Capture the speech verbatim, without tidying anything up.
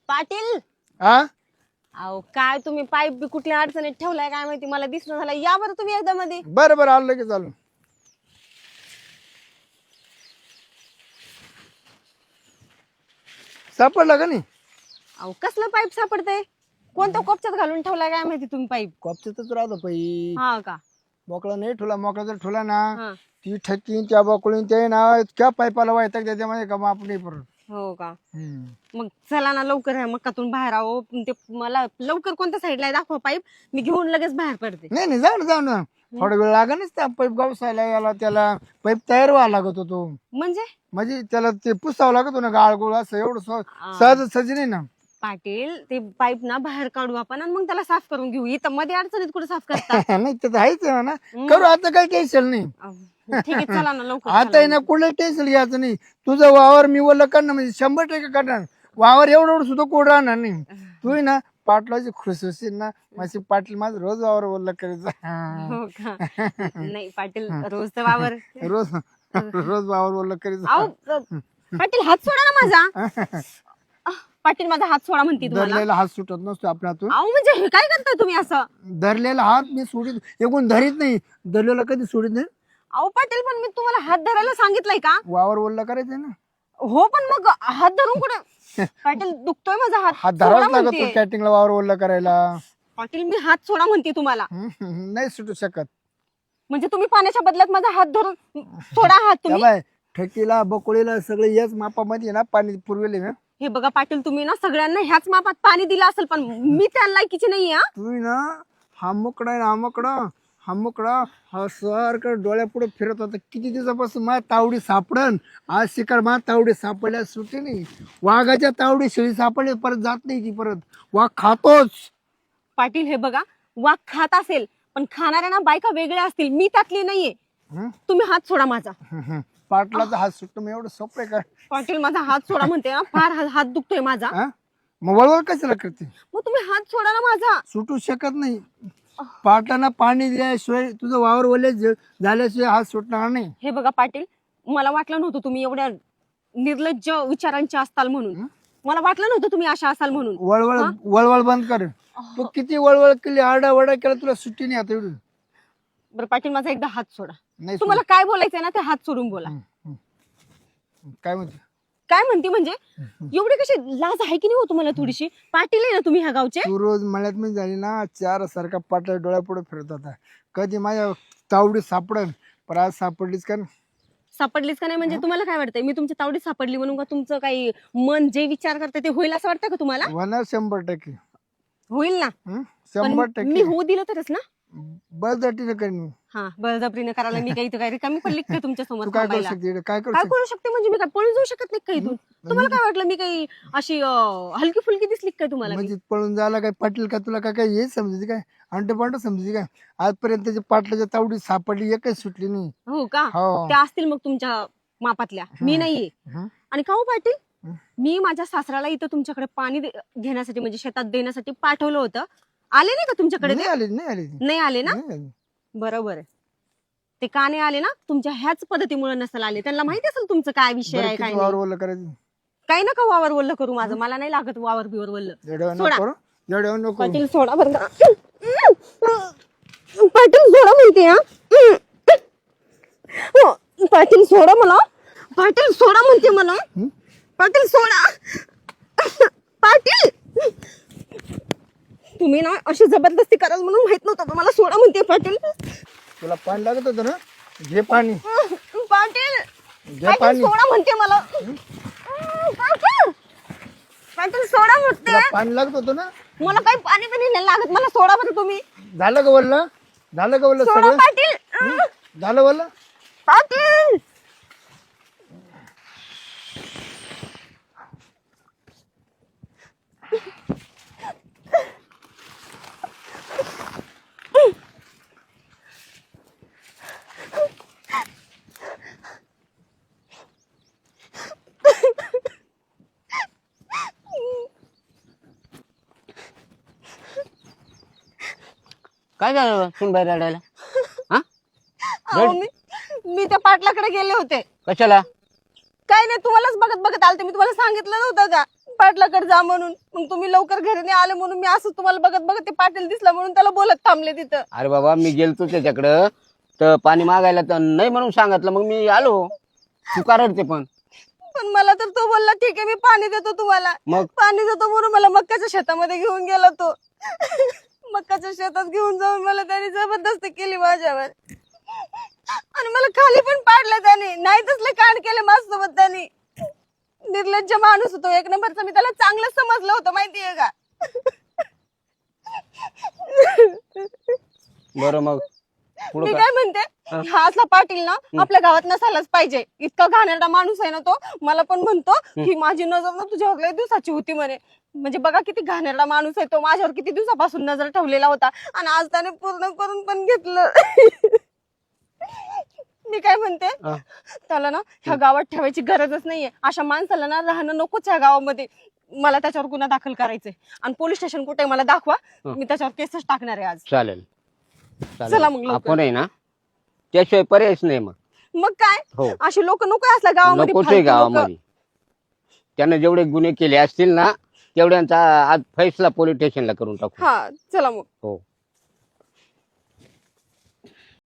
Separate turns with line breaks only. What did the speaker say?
पाटील
हा
अहो काय तुम्ही पाईप बी कुठल्या अडचणीत ठेवलाय काय माहिती मला दिसणं झालं या बरं तुम्ही एकदा मध्ये
बरं बरं आलं लगेच आलो. सापडला का नाही?
अहो कसलं पाईप सापडतंय कोणत्या कोपच्यात घालून ठेवलाय काय माहिती तुम्ही पाईप
कॉपच्यातच राहतो पाई.
हा का
मोकळा नाही ठेवला. मोकळा जर ठेवला ना
हा
ती ठेकीन त्या बकुळीन ते ना त्या पाईपाला वायताक त्याच्यामध्ये का माप नाही परत.
हो का
हम्म.
मग चला ना लवकर ह्या मक्कातून बाहेर आहो ते मला लवकर कोणत्या साईडला दाखवा पाईप मी घेऊन लगेच बाहेर पडते
नाही नाही जाऊ ना जाऊ ना थोडा वेळ लागेलच त्या पाईप गावसायला याला त्याला पाईप तयार व्हायला लागत होतो
म्हणजे
म्हणजे त्याला ते पुसावं लागत होतं ना गाळगोळ असं एवढं सहज सहज सहज नाही ना.
पाटील ते पाईप ना बाहेर काढू आपण आणि मग त्याला साफ करून घेऊ इथं मध्ये अडचणीत कुठे साफ करता
नाही तर आहेच आहे ना. करू आता काही टेन्शन नाही.
अहो, ठीक आहे चला ना लवकर
आता
चला.
आहे ना कुठलं टेन्शन घ्यायचं नाही. तुझं वावर मी वल्ल करणार म्हणजे शंभर टक्के करणार. वावर एवढं एवढं सुद्धा कोड राहणार नाही. तू आहे ना पाटलाची खुश होशील ना माझी पाटील माझं रोज वावर वल्ल करायचं.
हो का नाही पाटील रोज तर वावर
रोज रोज वावर वल्ल करायचं.
अहो अ, पाटील हात सोडा ना माझा अह, पाटील माझा हात सोडा म्हणते तुम्हाला
धरलेला हात सुटत नसतो आपल्या हातून.
अहो म्हणजे हे काय करताय तुम्ही असं
धरलेला हात मी सोडित एकूण धरीत नाही. धरलेला कधी सोडित नाही.
अहो पाटील पण मी तुम्हाला हात धरायला सांगितलंय का
वावर वल्ल करायचं ना.
हो पण मग हात धरून कुठे पाटील दुखतोय माझा हात
हात
सोडा
धरावाच लागत
म्हणते.
तो कॅटिंगला वावर वल्ल करायला.
पाटील मी हात सोडा म्हणते तुम्हाला
हम्म, हम्म, नाही सुटू शकत.
म्हणजे तुम्ही पाण्याच्या बदल्यात माझा हात धरून सोडा हात तुम्ही
बाय ठेकीला बकोळीला सगळे याच मापामध्ये ना पाणी पुरवेले ना.
हे बघा पाटील तुम्ही ना सगळ्यांना ह्याच मापात पाणी दिलं असेल पण मी त्या लायकीची नाही हा
तुम्ही ना हा मुकडा आहे ना हा मुकडा हा मुकडा हा सारखं डोळ्यापुढे फिरत होता किती दिवसापासून माझ्या तावडी सापडन. आज शिकार माझ्या तावडी सापडल्या सुटे नाही. वाघाच्या तावडी शेळी सापडली परत जात नाही ती परत. वाघ खातोच.
पाटील हे बघा वाघ खात असेल पण खाणाऱ्या ना बायका वेगळ्या असतील मी त्यातली नाहीये
हं?
तुम्ही हात सोडा माझा
हं, हं. पाटलाचा हात सुटतो मग एवढं सोपं आहे का?
पाटील माझा हात सोडा म्हणते ना फार हा- हात दुखतोय माझा
हा? मग वळवळ कशाला करते?
मग तुम्ही हात सोडा ना माझा
सुटू शकत नाही. पाटलांना पाणी दिल्याशिवाय तुझं वावर ओले ज- झाल्याशिवाय हात सुटणार नाही.
हे बघा पाटील मला वाटलं नव्हतं तुम्ही एवढ्या निर्लज्ज विचारांचे असताल म्हणून मला वाटलं नव्हतं तुम्ही अशा असाल म्हणून
वळवळ वळवळ बंद कर. तू किती वळवळ केली आरडा वडा केला तुला सुट्टी नाही आता एवढी.
बरं पाटील माझा एकदा हात सोडा
नाही
तुम्हाला काय बोलायचंय ना ते हात सोडून बोला
सुटत. काय म्हणते?
काय म्हणते म्हणजे एवढी कशी लाज आहे की नाही हो तुम्हाला थोडीशी पाटील आहे ना तुम्ही ह्या गावचे
तू रोज मळ्यात मी झाली ना चार सारखा पाटला डोळ्यापुढे फिरत होता. कधी माझ्या तावडी सापडन पण आज सापडलीच का?
सापडलीच का नाही म्हणजे तुम्हाला काय वाटतंय मी तुमच्या तावडीत सापडली म्हणून का तुमचं काही मन जे विचार करते ते होईल असं वाटतं का तुम्हाला
होणार शंभर टक्के.
होईल ना
हं?
पण
शंभर
मी
टक्के
होऊ दिलं तरच ना
बळजटीनं करीन मी.
हा बळजबरीने करायला मी काही काही कमी पडली काय तुमच्या समोर
तू काय करू
थांबायला?
शकते इकडे? काय करू
काय
शकते?
करू शकते म्हणजे मी काय पळून जाऊ शकत नाही का इथून तुम्हाला काय वाटलं मी काही अशी हलकी फुलकी दिसली काय तुम्हाला मी?
म्हणजे पळून जायला काय पाटील का तुला काय काय हे समजायची काय अंट पांट समजायची काय? आजपर्यंत त्याच्या पाटलाच्या तावडी सापडली एकच सुटली नाही.
हो का
हो.
त्या असतील मग तुमच्या मापातल्या मी नाहीये
हं?
आणि का हो पाटील मी माझ्या सासऱ्याला इथं तुमच्याकडे पाणी दे- घेण्यासाठी म्हणजे शेतात देण्यासाठी पाठवलं होतं आले नाही का तुमच्याकडे
नाही
ते?
आली नाही आली ती.
नाही आले ना
नाही आली.
बरोबर आहे ते का नाही आले ना तुमच्या ह्याच पद्धतीमुळे नसेल आले त्यांना माहिती असेल तुमचं काय विषय
बरं,
आहे काय
किती वावर
नाही
ओलं करायचं?
काही नका वावर वल्ल करू माझं मला नाही लागत वावर बिवर वल्ल
जेवढ्यावर
सोडा.
नको करू, जेवढ्यावर नको करू.
पाटील सोडा बरं का पाटील सोडा म्हणते हा हो, पाटील सोडा मला पाटील सोडा म्हणते मला पाटील सोडा पाटील तुम्ही ना अशी जबरदस्ती कराल म्हणून माहित नव्हतं मला सोडा म्हणते पाटील
तुला पाणी लागत होतं ना घे पाणी
पाटील
घे
पाटील
पाणी
सोडा म्हणते मला पाटील पाटील सोडा म्हणते
तुला पाणी लागत होतं ना.
मला काही पाणी पण नाही लागत मला सोडा बरं तुम्ही
झालं का वल्ल? झालं का वल्ल
सोडा
सगळं?
पाटील
झालं वल्ल?
पाटील
काय झालं सुनबाई रडायला? हा
अहो, मी मी त्या पाटलाकडे गेले होते
कशाला?
काय नाही तुम्हालाच बघत बघत आलते मी तुम्हाला सांगितलं नव्हतं का पाटलाकडे जा म्हणून. मग तुम्ही लवकर घरी नाही आले म्हणून मी असं तुम्हाला बघत बघत ते पाटील दिसला म्हणून त्याला बोलत थांबले तिथं.
अरे बाबा मी गेलतो त्याच्याकडं तर पाणी मागायला तर नाही म्हणून सांगितलं, मग मी आलो. तू का रडते पण?
पण मला तर तो बोलला ठीक आहे मी पाणी देतो तुम्हाला.
मग
पाणी देतो म्हणून मला मक्काच्या शेतामध्ये घेऊन गेला तो. मक्काच्या शेतात घेऊन जाऊन मला त्याने जबरदस्ती केली माझ्यावर आणि मला खाली पण पाडलं त्याने. नाही तसले कांड केले माझ्यासोबत त्याने. निर्लज्ज माणूस होतो एक नंबरचा. मी त्याला चांगलं समजलं होतं माहितीये का.
बरं मग
मी
पुढं
काय म्हणते हा असला पाटील ना आपल्या गावात नसायलाच पाहिजे. इतका घाणेरडा माणूस आहे ना तो. मला पण म्हणतो की माझी नजर ना तुझ्यावर लय दिवसाची होती म्हणे. म्हणजे बघा किती घाणेरडा माणूस आहे तो. माझ्यावर किती दिवसापासून नजर ठेवलेला होता आणि आज त्याने पूर्ण करून पण घेतलं. मी काय म्हणते त्याला ना ह्या गावात ठेवायची गरजच नाहीये. अशा माणसाला ना राहणं नकोच ह्या गावामध्ये. मला त्याच्यावर गुन्हा दाखल करायचंय आणि पोलीस स्टेशन कुठे मला दाखवा. मी त्याच्यावर केसच टाकणार आहे आज.
चालेल
चला मग लवकर.
आपण आहे ना त्याशिवाय पर्यायच नाही. मग
मग काय
हो
अशी लोक नको असल्या गावामध्ये
नकोच आहे
फालतू लोकं.
गावामध्ये. त्याने जेवढे गुन्हे केले असतील ना तेवढ्यांचा आज फैसला पोलीस स्टेशनला करून टाकू.
हा चला मग.
हो